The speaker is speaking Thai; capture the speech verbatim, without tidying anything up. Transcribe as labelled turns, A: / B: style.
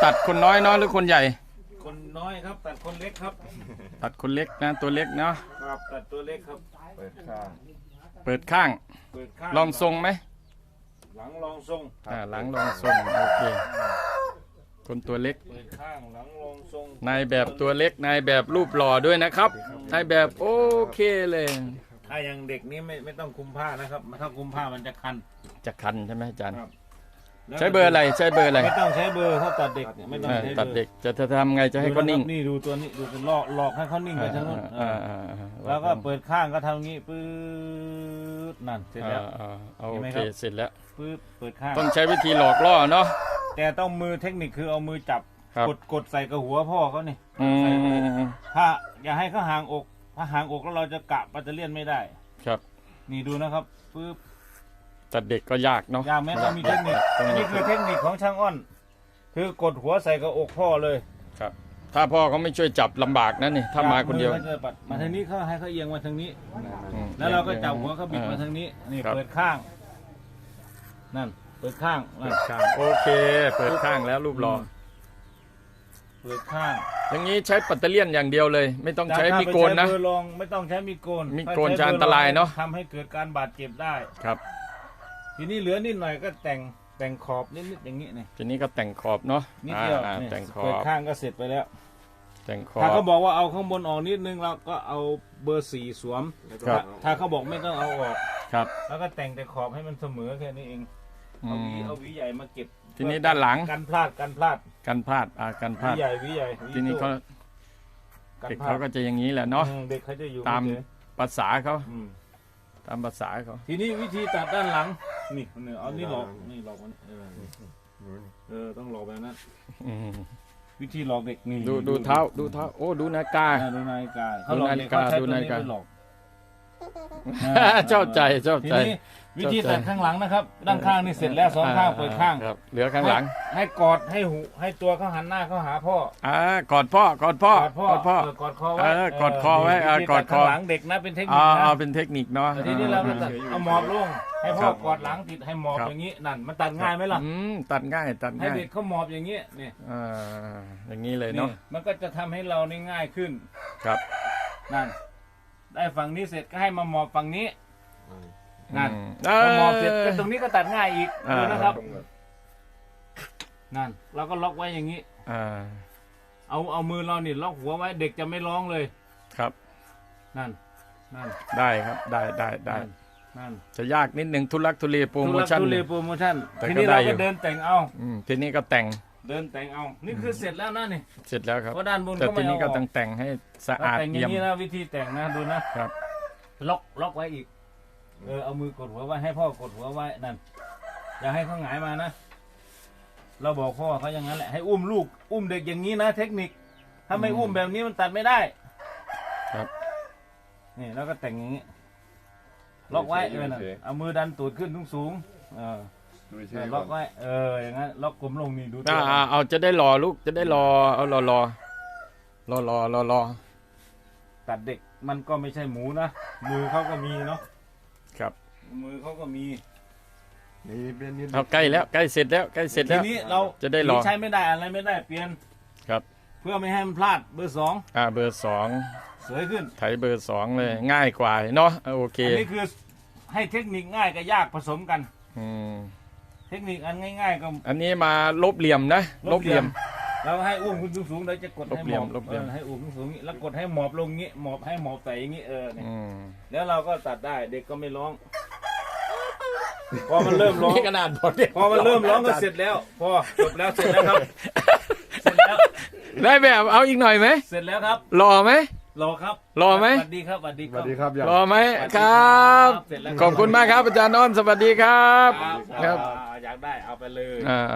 A: ตัดคนน้อยเนาะหรือคนใหญ่
B: คนน้อยครับตัดคนเล็กครับ
A: ตัดคนเล็กนะตัวเล็กเนาะ
B: ครับตัดตัวเล็กครับเปิดข้าง
A: เปิดข้าง
B: เปิดข้าง
A: ลองทรงไหม
B: หลังลองทรง
A: อ่าหลังลองทรงโอเคคนตัวเล็ก
B: เปิดข้างหลังลองทรง
A: นายแบบตัวเล็กนายแบบรูปหล่อด้วยนะครับนายแบบโอเคเลย
B: ถ้าอย่างเด็กนี้ไม่ไม่ต้องคุมผ้านะครับถ้าคุมผ้ามันจะคัน
A: จะคันใช่ไหมอาจารย์ใช้เบอร์อะไรใช้เบอร์อะไร
B: ไม่ต้องใช้เบอร์ถ้าตัดเด็กไม่ต้องใช้
A: ตัดเด็กจะทำไงจะให้เขานิ่ง
B: นี่ดูตัวนี้ดูเป็นหลอกหลอกให้เขานิ่งไปทั้งนู้นแล้วก็เปิดข้างก็ทำงี้ปื๊ดนั่นเสร็จแล้ว
A: โอเคเสร็จแล้ว
B: ปื๊ดเปิดข้าง
A: ต้องใช้วิธีหลอกล่อเนาะ
B: แต่ต้องมือเทคนิคคือเอามือจับกดกดใส่กับหัวพ่อเขานี่ถ้าอย่าให้เขาห่างอกถ้าห่างอกแล้วเราจะกะปัตเตอร์เลียนไม่ได้
A: ครับ
B: นี่ดูนะครับปื๊บ
A: แต่เด็กก็ยากเนาะ
B: ยากแม้ต้องมีเทคนิคอันนี้คือเทคนิคของช่างอ้อนคือกดหัวใส่กับอกพ่อเลย
A: ครับถ้าพ่อเขาไม่ช่วยจับลำบากนะนี่ถ้ามาคนเดียว
B: มาทางนี้เขาให้เขาเอียงมาทางนี้แล้วเราก็จับหัวเขาบิดมาทางนี้นี่เปิดข้างนั่นเปิดข้าง
A: เปิดข้างโอเคเปิดข้างแล้วรูปหล่อ
B: เปิดข้าง
A: อย่างนี้ใช้ปัตเตอร์เลียนอย่างเดียวเลยไม่ต้องใช้มีโกนนะ
B: ลองไม่ต้องใช้มีโกน
A: มีโกนจะอันตรายเนาะ
B: ทำให้เกิดการบาดเจ็บได้
A: ครับ
B: ทีนี้เหลือนิดหน่อยก็แต่งแต่งขอบนิดๆอย่างนี้นี่
A: ทีนี้ก็แต่งขอบเนาะ
B: นิดเดียว
A: แต่งขอบ
B: เปิดข้างก็เสร็จไปแล้ว
A: แต่งขอบ
B: ถ้าเขาบอกว่าเอาข้างบนออกนิดนึงเราก็เอาเบอร์สี่สวมถ้าเขาบอกไม่ต้องเอาออก
A: ครับ
B: แล้วก็แต่งแต่ขอบให้มันเสมอแค่นี้เองเอาหวีเอาหวีใหญ่มาเก็บ
A: ทีนี้ด้านหลัง
B: กันพลาดกันพลาด
A: กันพลาดอ่ากันพลาด
B: หวีใหญ่หวีใหญ่
A: ทีนี้เขาเด็กเขาก็จะอย่างนี้แหละเนาะ
B: เด็กเขาจะอยู่
A: ตามภาษาเขาตามภาษาเขา
B: ทีนี้วิธีตัดด้านหลังนี่เนี่ยเอานี่หลอกนี่หลอกมันเออเออต้องหลอกแบบนั้นวิธีหลอกเด็กนี่
A: ดูดูเท้าดูเท้าโอ้ดูนาฬิกา
B: ดูนาฬิกา
A: เขาหลอกนาฬิกาดูนาฬิกาชอบใจชอบใจ
B: วิธีตัดข้างหลังนะครับด้านข้างนี่เสร็จแล้วสองข้างเปิดข้าง
A: เหลือข้างหลัง
B: ให้กอดให้หูให้ตัวเขาหันหน้าเขาหาพ่อ
A: อ่ากอดพ่อกอดพ่อกอดพ่อก
B: อดคอไว้
A: กอดคอไว้กอดคอ
B: หลังเด็กนะเป็นเทคนิค
A: นะ
B: เอา
A: เป็นเทคนิคเนาะ
B: ทีนี้เราเอาหมอบลงให้พ่อกอดหลังติดให้หมอบอย่างนี้นั่นมันตัดง่ายไหมล่ะ
A: ตัดง่ายตัดง่าย
B: ให้เด็กเขาหมอบอย่างนี้นี่
A: อ่าอย่างนี้เลยเนาะ
B: มันก็จะทำให้เรานี่ง่ายขึ้น
A: ครับ
B: นั่นได้ฝั่งนี้เสร็จก็ให้มาหมอบฝั่งนี้นั่นพอหมอบเสร็จก็ตรงนี้ก็ตัดง่ายอีกดูนะครับนั่นเราก็ล็อกไว้อย่างนี้เอาเอามือเรานี่ล็อกหัวไว้เด็กจะไม่ร้องเลย
A: ครับ
B: นั่นนั่น
A: ได้ครับได้ได้ได้
B: นั่น
A: จะยากนิดหนึ่งทุลักทุเลโปรโมชั่น
B: ทุลักทุเลโปรโมชั่นทีนี้เราก็เดินแต่งเอา
A: ทีนี้ก็แต่ง
B: เดินแต่งเอานี่คือเสร็จแล้วนะนี่
A: เสร็จแล้วครับ
B: เพราะด้านบน
A: แต่ทีนี้ก็ต้องแต่งให้สะอาด
B: เยี่ยมอย่างนี้นะวิธีแต่งนะดูนะครับล็อกล็อกไว้อีกเออเอามือกดหัวไว้ให้พ่อกดหัวไว้นั่นอย่าให้เขาหงายมานะเราบอกพ่อเขาอย่างนั้นแหละให้อุ้มลูกอุ้มเด็กอย่างนี้นะเทคนิคถ้าไม่อุ้มแบบนี้มันตัดไม่ได้
A: ครับ
B: นี่แล้วก็แต่งอย่างนี้ล็อกไว้เออเอามือดันตูดขึ้นสูงๆเออล็อกไว้เอออย่างนั้นล็อกกลมลงนี่ดู
A: ตัวเอาจะได้รอลูกจะได้รอเอารอรอรอรอรอรอ
B: ตัดเด็กมันก็ไม่ใช่หมูนะมือเขาก็มีเนาะ
A: ครับ
B: มือเขาก็มี
A: เอาใกล้แล้วใกล้เสร็จแล้วใกล้เสร็จแล้ว
B: ทีนี้เรา
A: จะได้รอ
B: ใช้ไม่ได้อะไรไม่ได้เปลี่ยน
A: ครับ
B: เพื่อไม่ให้มันพลาดเบอร์สอง
A: อ่าเบอร์สอง
B: สวยขึ้น
A: ไถเบอร์สองเลยง่ายกว่าเนาะโอเค
B: อันนี้คือให้เทคนิคง่ายกับยากผสมกัน
A: อืม
B: เทคนิคอันง่ายๆก็
A: อันนี้มาลบเหลี่ยมนะลบเหลี่ยม
B: เราให้อุ้มขึ้นสูงๆเราจะกดให้หมอบให้อุ้มสูงๆแล้วกดให้หมอบลงงี้หมอบให้หมอบใส่อย่างงี้เออเนี่ยแล้วเราก็ตัดได้เด็กก็ไม่ร้องพอมันเริ่มร้อง
A: ขนาดพอ
B: พอมันเริ่มร้องก็เสร็จแล้วพอจบแล้วเสร็จแล้วครับเสร็จแล้ว
A: ได้แบบเอาอีกหน่อยไหม
B: เสร็จแล้วครับ
A: รอไหม
B: รอครับ
A: รอไหม
B: สวัสดีครับสวัสดี
C: สวัสดีครับ
A: รอไหมครับขอบคุณมากครับอาจารย์อ้อนสวัสดีครับ
B: ครับอยากได้เอาไปเลย